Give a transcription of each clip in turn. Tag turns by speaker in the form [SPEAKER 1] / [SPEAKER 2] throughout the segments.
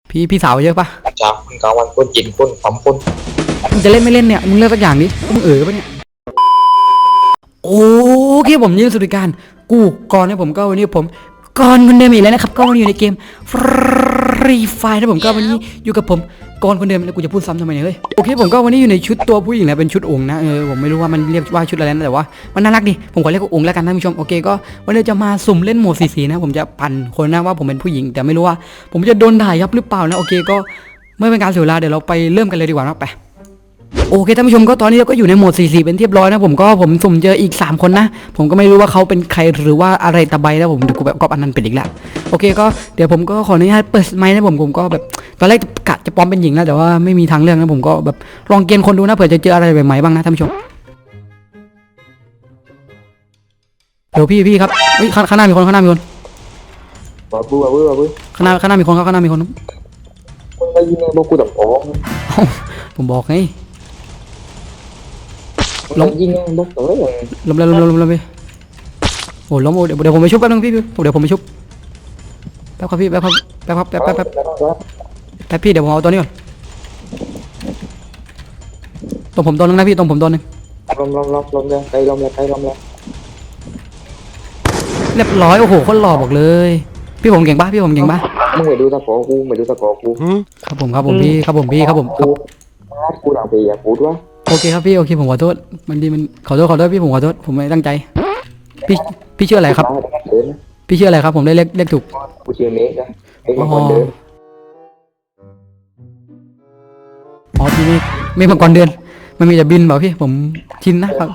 [SPEAKER 1] พี่สาวเยอะปะ
[SPEAKER 2] จากคนกลางวันคนกินคนสองคน
[SPEAKER 1] มึงจะเล่นไม่เล่นเนี่ยมึงเลือกสักอย่างดิมึงปะเนี่ยโอเคผมยินสุดการกูก่อนเนี่ยผมก็วันนี้ผมก่อนคนเดิมอีกแล้วนะครับก็วันนี้อยู่ในเกมฟรีไฟนะผมก็วันนี้อยู่กับผมก่อนคนเดิมแล้วกูจะพูดซ้ำทำไมเนี่ยเฮ้ยโอเคผมก็วันนี้อยู่ในชุดตัวผู้หญิงแล้วเป็นชุดองค์นะผมไม่รู้ว่ามันเรียกว่าชุดอะไรนะแต่ว่ามันน่ารักดีผมขอเรียกว่าองค์แล้วกันท่านผู้ชมโอเคก็วันนี้จะมาสุ่มเล่นโหมดสีนะผมจะปั่นคนนะว่าผมเป็นผู้หญิงแต่ไม่รู้ว่าผมจะโดนด่ายับหรือเปล่านะโอเคก็ไม่เป็นการเสียเวลาเดี๋ยวเราไปเริ่มกันเลยดีกว่านะไปโอเคท่านผู้ชมก็ตอนนี้เราก็อยู่ในโหมด44เป็นเรียบร้อยนะผมสุ่มเจออีก3คนนะผมก็ไม่รู้ว่าเขาเป็นใครหรือว่าอะไรตะไบนะผมเดี๋ยวกูแบบก๊อปอันนั้นเป็นอีกแล้วโอเคก็เดี๋ยวผมก็ขออนุญาตเปิดไมค์นะผมก็แบบตอนแรกกะจะปลอมเป็นหญิงนะแต่ว่าไม่มีทางเลือกนะผมก็แบบลองเกณฑ์คนดูนะเผื่อจะเจออะไรใหม่ๆบ้างนะท่านผู้ชมเดี๋ยวพี่ครับเฮ้ยข้างหน้ามีคน
[SPEAKER 2] บ้าบื้อ
[SPEAKER 1] ข้างหน้ามีคนข้างหน้ามีคน
[SPEAKER 2] มึงไปยิงไงบอกกูต้องฟ้อง
[SPEAKER 1] ผมบอกไง
[SPEAKER 2] ล้มยิงไงบอกตัวเลย
[SPEAKER 1] ล้มไปโอ้ล้มเดี๋ยวผมไปชุบแป๊บนึงพี่เดี๋ยวผมไปชุบแป๊บครับพี่แป๊บพี่เดี๋ยวผมเอาตัวนี้ก่อนตรงผมตัวนึงนะพี่ตรงผมตัวนึง
[SPEAKER 2] ล้มเลยไกลล้มเลย
[SPEAKER 1] เรียบร้อยโอ้โหคนหล่อบอกเลยพี่ผมเก่งปะ
[SPEAKER 2] มึงไปดูตะกอกู
[SPEAKER 1] ครับผมพี่ครับ
[SPEAKER 2] กูด่าไปอย่าพูดวะ
[SPEAKER 1] โอเคครับพี่โอเคผมขอโทษมันขอโทษพี่ผมขอโทษผมไม่ตั้งใจพี่ชื่ออะไรครับพี่ชื่ออะไรครับผมได้เรียกถูก
[SPEAKER 2] กูชื่อเมฆนะเมฆคนเดิน
[SPEAKER 1] อ๋อพี่ไม่มาก่อนเดือนมันมีแต่บินเปล่าพี่ผมชินนะครับ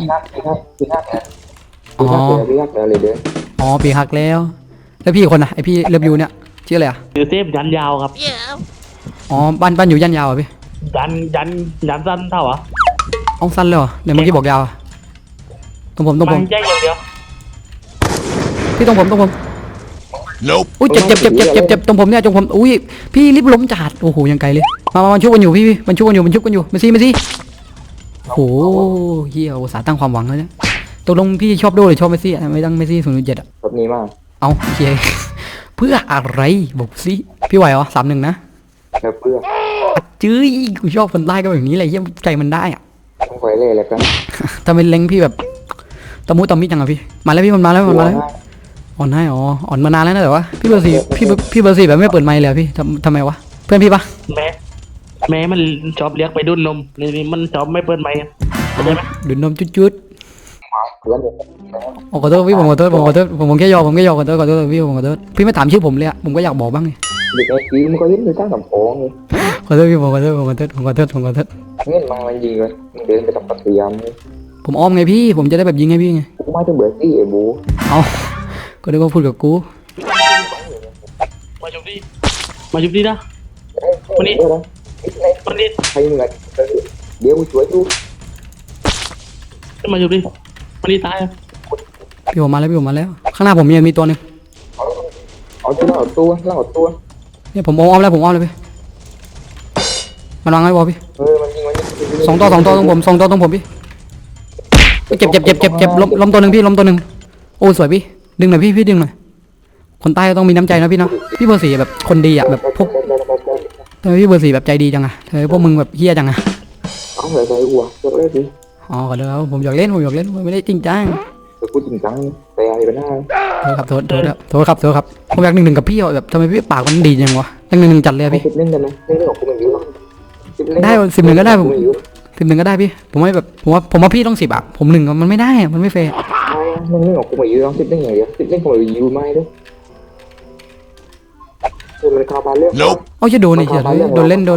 [SPEAKER 2] อ๋อเลยเดิน
[SPEAKER 1] อ๋อปีหักแล้วพี่คนน่ะไอพี่เลิฟยูเนี่ยชื่ออะไรอ่ะ
[SPEAKER 3] คือเซฟยันยาวครับ
[SPEAKER 1] อ๋อบ้านอยู่ย่านยาวอ่ะพี่
[SPEAKER 3] ยันสั้นเท่าอ่ะ
[SPEAKER 1] อ้องสั้นเลยเหรอเดี๋ยวเมื่อกี้บอกยาวตรงผม
[SPEAKER 3] มันแยกอย่างเดียว
[SPEAKER 1] พี่ตรงผมอุ้ยเจ็บตรงผมเนี่ยตรงผมอุ้ยพี่รีบล้มจัดโอ้โหยังไกลเลยมาชุบกันอยู่พี่มันชุบกันอยู่มาสิโอ้โหเฮียอุตส่าห์ตั้งความหวังแล้วเนี่ยตกลงพี่ชอบโดหรือชอบเมสซี่ไม่ตั้งเมสซี่0.7อ่ะ
[SPEAKER 2] แบบนี้มาก
[SPEAKER 1] เอาเฮียเพื่ออะไรบอกสิพี่ไหวเหรอ3-1นะ
[SPEAKER 2] เพื่อ
[SPEAKER 1] จื้อกูชอบคนใต้ก็แบบนี้เลยเฮียใจมันได้อ่ะ
[SPEAKER 2] ต้องไปเลยแหละกัน
[SPEAKER 1] ทำเป็นเล้งพี่แบบตะมุตะมิจังอะพี่มาแล้วพี่มันมาแล้วอ่อนให้อ่อนมานานแล้วนะแต่ว่าพี่เบอร์สี่แบบไม่เปิดไมค์เลยพี่ทำไมวะเพื่อนพี่ปะ
[SPEAKER 3] แม่มันชอบเรียกไปดุนนมนี่มันชอบไม่เปิดไมค์เข้าใจไหม
[SPEAKER 1] ดุนนมจุดขอโทษพี่ผมขอโทษผมแค่ยอขอโทษพี่ผมขอโทษพี่ไม่ถามชื่อผมเลยอะผมก็อยากบอกบ้างไง
[SPEAKER 2] เด็กไอ้กี้มันก็ยิ้มดูตั้งกับโป้งเลย
[SPEAKER 1] ขอโทษพี่ผมขอโทษ
[SPEAKER 2] เงี้ยมันยิงเลยเดินไปตับปัตยามเลย
[SPEAKER 1] ผมอ้อมไงพี่ผมจะได้แบบยิงไงพี่ไง
[SPEAKER 2] กูไม่ต้องเบื่อที่ไอ้บู
[SPEAKER 1] เอาก็ได้ก็พูดกับกู
[SPEAKER 3] มาจุบดีนะวันนี้
[SPEAKER 2] ใครมึงอ่ะเดี๋ยวกูช่วยดู
[SPEAKER 3] มาจุบดีวันนี้ตาย
[SPEAKER 1] พี่ผมมาแล้วข้างหน้าผมมีตัวนึง
[SPEAKER 2] เอาตัว
[SPEAKER 1] เนี่ยผมอ้อมแล้วพี่มันวางไว้บอพี่
[SPEAKER 2] มันยิง
[SPEAKER 1] 2 ตัวตรงผม2 ตัวตรงผมพี่เจ็บล้มตัวนึงพี่ล้มตัวนึงโอ้สวยพี่ดึงหน่อยพี่ดึงหน่อยคนใต้ต้องมีน้ำใจนะพี่เนาะพี่เบอร์ 4แบบคนดีอ่ะแบบพวกทำไมพี่เบอร์ 4แบบใจดีจังอะทำไมพวกมึงแบบเฮี้ยจังอะ
[SPEAKER 2] เอาเลยใจหัวจบเลยดิ
[SPEAKER 1] อ๋อขอโทษผมอยากเล่นไม่ได้จริงจัง
[SPEAKER 2] พูดจริงจังแต่อะไรเป็นหน้า
[SPEAKER 1] โทษครับผมอยาก1-1กับพี่แบบทำไมพี่ปากมันดีจังวะ1-1จัดเลยพี่
[SPEAKER 2] เล่นกันนะเล่นของกูมันเยอะ
[SPEAKER 1] ได้10-1ก็ได้ผม10-1ก็ได้พี่ผมไม่แบบผมว่าพี่ต้อง10อ่ะผม1มันไม่ได้มันไม่แฟร์
[SPEAKER 2] มันเล่นของกูมาเยอะต้อง10เล่นอย่างเดียว10เล่นของเราอยู่ไม่ด้วยมันคาบาเรื่อง
[SPEAKER 1] เอาจะโดนอีกเหรอโดนเล่นโดน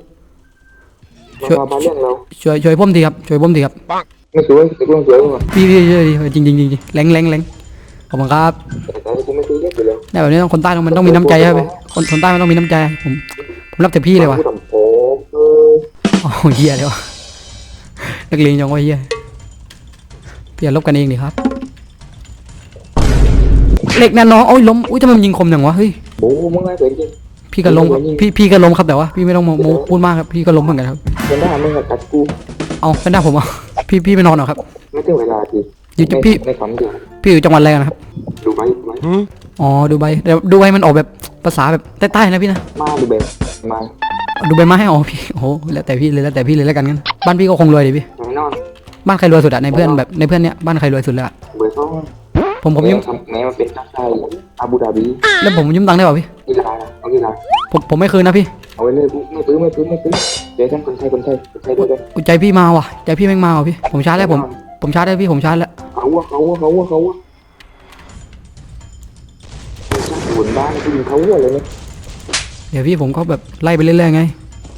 [SPEAKER 1] ช่วยพ่มทีครับ
[SPEAKER 2] ไม่ช่วยแต่กูต้องช่วยมึง
[SPEAKER 1] พี่จริงแรงขอบคุณครับเนี่ยแบบนี้คนใต้มันต้องมีน้ำใจครับคนใต้มันต้องมีน้ำใจผมรักแต่พี่เลยว่ะโอ้เหี้ยเลยวะนักเลงจังวะเหี้ยพี่อย่าลบกันเองดิครับเหล็กนะน้องโอ้ยล้มอุ้ยทำไมมันยิงคมจังวะเฮ้ย
[SPEAKER 2] โอ้มึงไงเป็นจริง
[SPEAKER 1] พี่ก็ล้มพี่ก็ล้มครับแต่ว่าพี่ไม่ต้องโม้พูดมากครับพี่ก็ล้มเหมือนกันครับ
[SPEAKER 2] เป็นได้มึงกัดกู
[SPEAKER 1] เอาเป็นได้ผมอ่ะพี่ไปนอนเหรอครับ
[SPEAKER 2] ไม่ถึงเวลาที
[SPEAKER 1] อยู่พี่
[SPEAKER 2] ในคำเดียว
[SPEAKER 1] พี่อยู่จังหวัดอะไรนะครับ
[SPEAKER 2] ดูไหม
[SPEAKER 1] อ๋อดูใบเดี๋ยวดูใบมันออกแบบภาษาแบบใต้ๆนะพี่นะ
[SPEAKER 2] มาดูแบบมา
[SPEAKER 1] ดูใบไม้ให้อ๋อพี่โอ้โหแล้วแต่พี่เลยแล้วแต่พี่เลยแล้วกันงั้นบ้านพี่ก็คงรวยดิพี่
[SPEAKER 2] แน่นอน
[SPEAKER 1] บ้านใครรวยสุดอะในเพื่อนแบบในเพื่อนเนี้ยบ้านใครรวยสุดเลยอะ
[SPEAKER 2] เบอร์สอง
[SPEAKER 1] ผมยืม
[SPEAKER 2] แม้มันเป็นนักไทยอาบูดาบี
[SPEAKER 1] แล้วผมยืมตังค์ได้เปล่าพี่
[SPEAKER 2] กีฬาเอากีฬา
[SPEAKER 1] ผมไม่คืนนะพี่
[SPEAKER 2] เอาไว้เลยไม่ปื้อเดี๋ยวท่านคนไทยด้วยกัน
[SPEAKER 1] อุ๊ยใจพี่มาว่ะใจพี่แม่งมาว่ะพี่ผมชาร์จแล้วผมชาร์จแล้วพี่ผมชาร์จแล้ว
[SPEAKER 2] เขาบนบ้านที่ยิงเขาเลยเนี่ย
[SPEAKER 1] เดี๋ยวพี่ผมก็แบบไล่ไปเรื่อยๆไง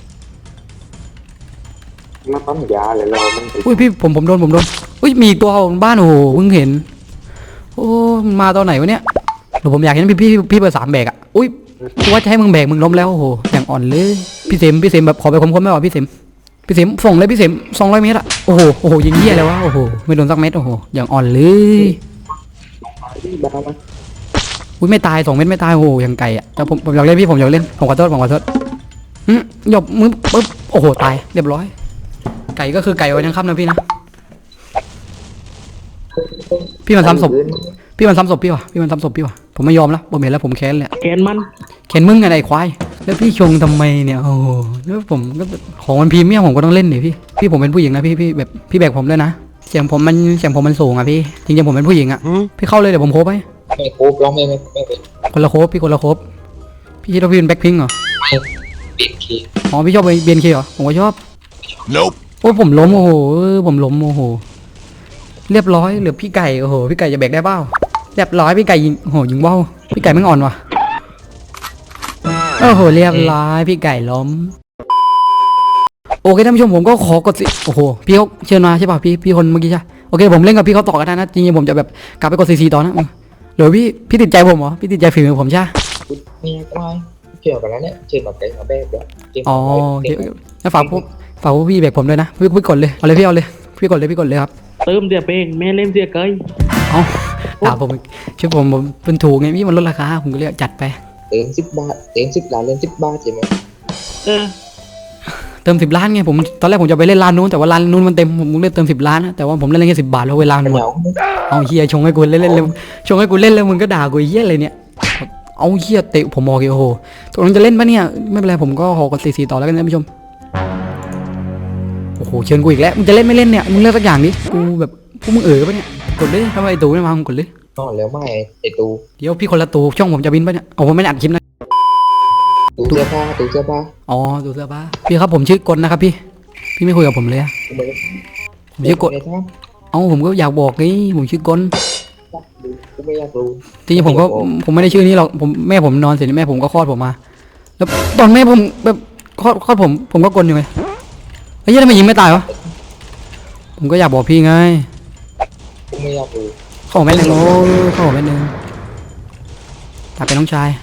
[SPEAKER 2] มาปั๊มยาเลยเรามัน
[SPEAKER 1] อุ้ยพี่ผมโดนอุ้ยมีอีกตัวบนบ้านโอ้โหเพิ่งเห็นโอ้มันมาตอนไหนวะเนี่ยเดี๋ยวผมอยากเห็นพี่เบอร์3แบกอะอุ้ยกูว่าจะให้มึงแบกมึงล้มแล้วโอ้โหอย่างอ่อนเลยพี่เสมแบบขอไปคมๆไม่หรอพี่เสมส่งเลยพี่เสม200 เมตรอะโอ้โหยิงเหี้ยเลยวะโอ้โหไม่โดนสักเม็ดโอ้โหอย่างอ่อนเลย
[SPEAKER 2] บ้ามัน
[SPEAKER 1] อุ้ยไม่ตาย2 เม็ดไม่ตายโอ้โหอย่างไก่อะแต่ผมอยากเล่นพี่ผมอยากเล่นผมขอโทษหยบมือปึ๊บโอ้โหตายเรียบร้อยไก่ก็คือไก่วันยังค่ำนะพี่นะพี่มันซ้ำศพพี่มันซ้ำศพพี่วะผมไม่ยอมแล้วผมเห็นแล้วผมแค้นเลย
[SPEAKER 3] แกนมัน
[SPEAKER 1] แค้นมึงไงไอ้ควายแล้วพี่ชงทำไมเนี่ยโอ้โหแล้วผมก็ของมันพรีเมียมผมก็ต้องเล่นดิพี่ผมเป็นผู้หญิงนะพี่แบบพี่แบกผมด้วยนะเสียงผมมันสูงอะพี่จริงๆผมเป็นผู้หญิงอะพี่เข้าเลยเดี๋ยวผมโคบไป
[SPEAKER 2] ไม่โคบร้องไม่เป็น
[SPEAKER 1] คนละโคบพี่คนละโคบพี่คิดว่าพี่เป็นแบ็คพิงค์เหรอ
[SPEAKER 2] เปลี่ยนคี
[SPEAKER 1] อ๋อพี่ชอบเบียนเคเหรอผมก็ชอบ
[SPEAKER 4] Nope.
[SPEAKER 1] โอ้ยผมล้มโอ้โหผมล้มโอ้โหเรียบร้อยเหลือพี่ไก่โอ้โหพี่ไก่จะแบกได้เปล่าเรียบร้อยพี่ไก่ยิงโอ้โหยิงว่าวพี่ไก่ไม่งอ่อนว่ะโอ้โหเรียบร้อยพี่ไก่ล้มโอเคท่านผู้ชมผมก็ขอกดสิโอ้โหพี่เขาเชิญมาใช่ป่ะพี่คนเมื่อกี้ใช่โอเคผมเล่นกับพี่เขาต่อกันได้นะจริงๆผมจะแบบกลับไปกดซีต่อนะเดี๋ยวพี่ติดใจผมเหรอพี่ติดใจฝีมือผมใช่
[SPEAKER 2] นี่ก็ไม่เกี่ยวกันแล้วเนี่ยเชิญมาไกลมาแบกเดี๋ยว
[SPEAKER 1] อ๋อโอเคแล้วฝากพวกพี่แบกผมด้วยนะพี่กดเลยเอาเลยพี่กดเลยครับ
[SPEAKER 3] เติมเสียเป้งแม่เล่นเสียเกย
[SPEAKER 1] เอาด่าผมช่วยผมเป็นถูกไงพี่มันลดราคาผมก็เลยจัดไป
[SPEAKER 2] เติม10 บาทเติม10 ล้านเล่น10 บาทใช่ไหม
[SPEAKER 3] เออ
[SPEAKER 1] เติม10 ล้านไงผมตอนแรกผมจะไปเล่นร้านนู้นแต่ว่าร้านนู้นมันเต็มผมเลยเติม10 ล้านนะแต่ว่าผมเล่นแค่10 บาทแล้วเวลามันหมด
[SPEAKER 2] เหงา
[SPEAKER 1] เอาเฮียชงให้กูเล่นเลยชงให้กูเล่นแล้วมึงก็ด่ากูเฮียอะไรเนี่ยเอาเฮียเตะผมบอกโอ้โหตกลงจะเล่นปะเนี่ยไม่เป็นไรผมก็ขอกดซีต่อแล้วกันนะท่านผู้ชมโอ้โหเชิญกูอีกแล้วมึงจะเล่นไม่เล่นเนี่ยมึงเลือกสักอย่างดิกูแบบพวกมึงปะเนี่ยกดเลยทำไมไอ้ตูไม่มามึงกดเลย
[SPEAKER 2] นอนแล้วไม่ไอตู
[SPEAKER 1] เดี๋ยวพี่คนละตูช่องผมจะบินปะเนี่ยโอ้ผมไม่ได้อัดคลิปนะ
[SPEAKER 2] ตูเสื้อผ้า
[SPEAKER 1] อ๋อตูเสื้อผ้าพี่ครับผมชื่อกลนะครับพี่ไม่คุยกับผมเลยอะ
[SPEAKER 2] กูไม่
[SPEAKER 1] ผมชื่อกล
[SPEAKER 2] ไม่ทราบ
[SPEAKER 1] เอ้าผมก็อยากบอกไงผมชื่อกล
[SPEAKER 2] กูไม่อยากรู้
[SPEAKER 1] จริงๆผมไม่ได้ชื่อนี้หรอกแม่ผมนอนเสร็จแม่ผมก็คลอดผมมา แล้วตอนแม่ผมแบบคลอดผมก็กลอยู่ไงไอ้เหี้ยทำไมยิงไม่ตายวะผมก็อยากบอกพี่ไง
[SPEAKER 2] กูไม่อยากรู้
[SPEAKER 1] เข้าหัวแม่หนึ่งโอ้เข้าหัวแม่หนึ่งตาเป็นน้องชาย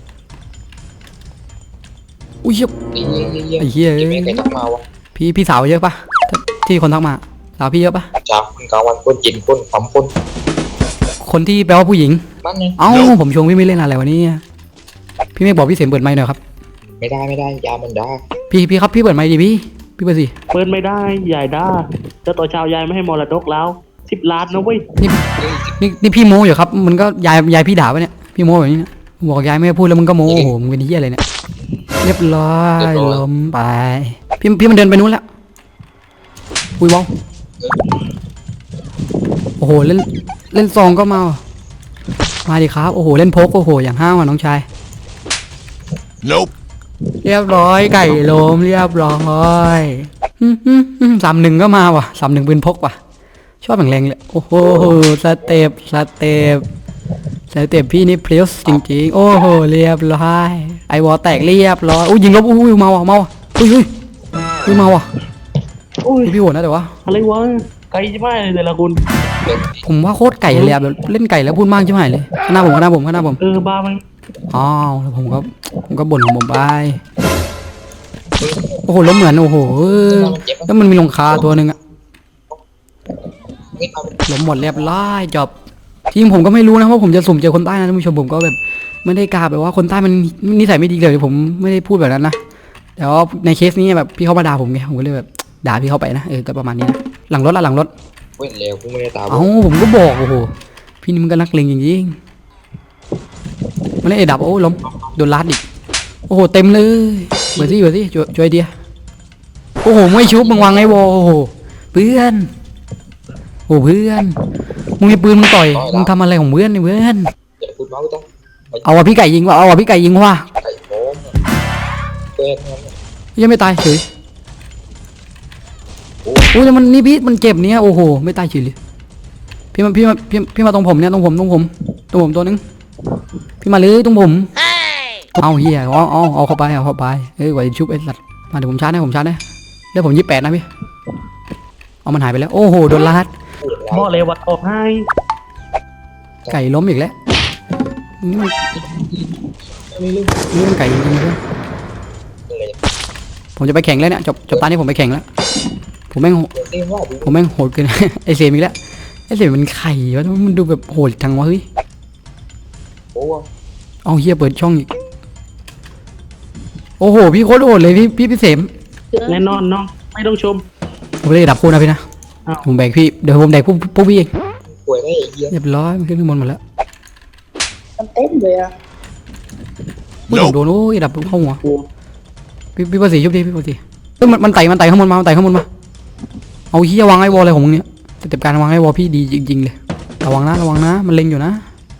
[SPEAKER 1] อุ้ยเหี้ย ไอ้เหี้ย
[SPEAKER 2] ไม่เคยทักมาวะ
[SPEAKER 1] พี่สาวเยอะปะที่คนทักมาสาวพี่เยอะปะ
[SPEAKER 2] จากคนกลางวันคนกินคนปั๊มคน
[SPEAKER 1] คนที่แปลว่าผู้หญิง
[SPEAKER 2] มันไง
[SPEAKER 1] เอ้าผมชงพี่ไม่เล่นอะไรวะเนี่ยพี่ไม่บอกพี่เสมเปิดไมค์หน่อยครับ
[SPEAKER 2] ไม่ได้ยามันได้
[SPEAKER 1] พี่ครับพี่เปิดไมค์ดิพี่เปิดสิ
[SPEAKER 3] เปิดไม่ได้ยายด้าเจ้าต่อชาวยายไม่ให้มรดกแล้ว10 ล้านนะเว้ย
[SPEAKER 1] นี่พี่โม้อยู่ครับมันก็ยายพี่ด่าปะเนี่ยพี่โม้แบบนี้เนี่ยบอกยายไม่ให้พูดแล้วมึงก็โม้โอ้โหมึงเป็นเหี้ยอะไรเนี่ยเรียบร้อยล้มไปพี่มันเดินไปนู้นแล้วอุ้ยว้าวโอ้โหเล่นซองก็มาดิครับโอ้โหเล่นโพกโอ้โหอย่างห้าวอ่ะน้องชาย
[SPEAKER 4] Nope.
[SPEAKER 1] เรียบร้อยไก่ล้มเรียบร้อย31ก็มาว่ะ31ปืนพกว่ะชอบแรงๆเลยโอ้โหสเต็ปพี่นี่เพลสจริงๆโอ้โหเรียบร้อยไอวอลแตกเรียบร้อยอุ้ยยิงลบอุ้ยมาว่ะอุ้ยมาว่ะ
[SPEAKER 3] โอ้ย
[SPEAKER 1] พี่โหดนะแต่ว่า
[SPEAKER 3] อะไรวะไกลจะไม่เลยแต่ละคน
[SPEAKER 1] ผมว่าโคตรไก่เลยอะแบบเล่นไก่แล้วพูดมากใช่ไหมเลยข้างหน้าผม
[SPEAKER 3] บ้าไหม
[SPEAKER 1] อ้าวแล้วผมก็บ่นของผมไปโอ้โหล้มเหมือนโอ้โหแล้วมันมีลงคาตัวหนึ่งอะ
[SPEAKER 2] นี่เอา
[SPEAKER 1] ล้มหมดเรียบร้อยจบจริงผมก็ไม่รู้นะว่าผมจะสุ่มเจอคนใต้นะท่านผู้ชมผมก็แบบไม่ได้กล้าแบบว่าคนใต้มันนิสัยไม่ดีเลยผมไม่ได้พูดแบบนั้นนะแต่ว่าในเคสนี้แบบพี่เขามาด่าผมไงผมก็เลยแบบด่าพี่เขาไปนะก็ประมาณนี้นะหลังรถ
[SPEAKER 2] เว้นแล้วกูไม่ได้ตาม
[SPEAKER 1] เอ้าผมก็บอกโอ้โหพี่นี่มันก็นักเลงจริงมันเล่นเอดับโอ้ล้มโดนลัดอีกโอ้โหเต็มเลยเบอร์ซี่ช่วยเดียโอ้โหไม่ชุบมึงวางไอ้วอโอ้โหเพื่อนโอ้เพื่อนมึงมีปืนมึงต่อยมึงทำอะไรของเพื่อนนี่เพื่อน
[SPEAKER 2] อย่าพูดเมาส์จ้ะ
[SPEAKER 1] เอาว่ะพี่ไก่ยิงว่ะเอาว่ะพี่ไก่ยิงว่ะ
[SPEAKER 2] ไก่โม้มตัวเองนั่น
[SPEAKER 1] ยังไม่ตายเฉยโอ้ยมันนี่พี่มันเจ็บเนี่ยโอ้โหไม่ตายเฉยเลยพี่มาตรงผมเนี่ยตรงผมตัวนึงพี่มาเลยตรงผมเอาเฮียเอาเข้าไปกว่าจะชุบไอ้สัตว์มาเดี๋ยวผมชาร์จให้แล้วผม28นะพี่เอามันหายไปแล้วโอ้โหโดนลาด
[SPEAKER 3] บอกเลยว่าออกให้
[SPEAKER 1] ไก่ล้มอีกแล้วนี่มันไก่จริงๆด้วยผมจะไปแข่งแล้วเนี่ยจบตานี้ผมไปแข่งแล้วผมแม่งโหดเกิน ไอเสียมอีกแล้วไอเสียมมันไข่วะมันดูแบบโหดจังวะเฮ้ย
[SPEAKER 2] โอ้
[SPEAKER 1] เอาเฮียเปิดช่องอีกโอ้โหพี่โคตรโหดเลยพี่เสม
[SPEAKER 3] แน่นอนน้องไม่ต้องชม
[SPEAKER 1] ผมเลยดับคู่นะพี่นะ
[SPEAKER 3] อ้าว
[SPEAKER 1] ผมแบกพี่เดี๋ยวผมแบกพวกพี่เอง
[SPEAKER 2] ป่วยได้ไอ้เหี้ย
[SPEAKER 1] เรียบร้อยมันขึ้นข้างบนหมดแล้ว
[SPEAKER 5] มันเต้นเลยอะ
[SPEAKER 1] ผมโดนโอ้ยดับเข้าหัว
[SPEAKER 3] โอ้
[SPEAKER 1] พี่ภาษีชุบดิพี่ภาษีเอ้ยมันไต่ข้างบนมาเอาเฮียวางไอ้วอลอะไรของมึงเนี่ยสเต็ปการวางไอ้วอลพี่ดีจริงๆเลยระวังนะมันเล็งอยู่นะ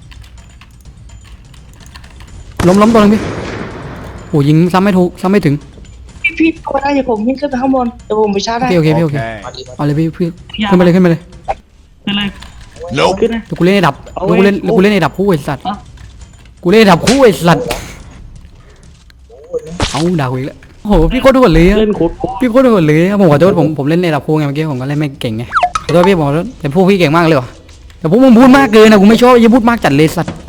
[SPEAKER 1] ล้มตัวนึงพี่โอ้ยิงซ้ำไม่ถูกซ้ำไม่ถึง
[SPEAKER 5] พี่เข้ามาได้เดี๋ยวผมวิ่งขึ้นไปข้างบนเดี๋ยวผมไปชาร์จได้
[SPEAKER 1] โอเค
[SPEAKER 4] Okay.
[SPEAKER 2] มาดีมา
[SPEAKER 1] เอาเลยพี่ขึ้นไปเลย
[SPEAKER 3] ขึ้นเลย
[SPEAKER 4] Nope.
[SPEAKER 3] ขึ้นนะ
[SPEAKER 1] เดี๋ยวกูเล่นไอ้ดับ
[SPEAKER 3] เอา
[SPEAKER 1] เดี๋ยว
[SPEAKER 3] ไว้
[SPEAKER 1] กูเล่นไอ้ดับคู่ไอ้สัตว์
[SPEAKER 3] อ่ะ
[SPEAKER 1] กูเล่นไอ้ดับคู่ไอ้สัตว์เอาด่ากูอีกแล้วโอ้โหพี่โคตรโหดเลยอะ
[SPEAKER 3] เล่นโคตร
[SPEAKER 1] พี่โคตรโหดเลยผมขอโทษผมเล่นไอ้ดับคู่ไงเมื่อกี้ผมก็เล่นไม่เก่งไงขอโทษพี่ผมขอโทษแต่พวกพี่เก่งมากเลยว่ะแต่พวกมึงพูดมากเกินนะกูไม่ชอบอย่าพูดมากจัดเลยสัตว์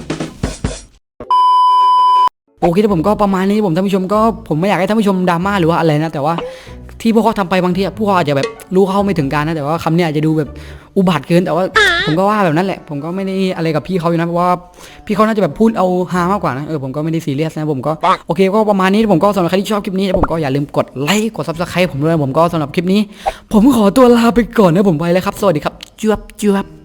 [SPEAKER 1] โอเคที่ผมก็ประมาณนี้ท่านผู้ชมก็ผมไม่อยากให้ท่านผู้ชมดราม่าหรือว่าอะไรนะแต่ว่าที่พวกเขาทำไปบางทีพวกเขาอาจจะแบบรู้เข้าไม่ถึงการนะแต่ว่าคำเนี้ยอาจจะดูแบบอุบาทเกินแต่ว่าผมก็ว่าแบบนั้นแหละผมก็ไม่ได้อะไรกับพี่เขาอยู่นะเพราะว่าพี่เขาน่าจะแบบพูดเอาฮามากกว่านะผมก็ไม่ได้ซีเรียสนะผมก็โอเคก็ประมาณนี้ผมก็สำหรับใครที่ชอบคลิปนี้ผมก็อย่าลืมกดไลค์กด Subscribe ผมด้วยผมก็สำหรับคลิปนี้ ผมขอตัวลาไปก่อนนะผมไปแล้วครับสวัสดีครับจวบ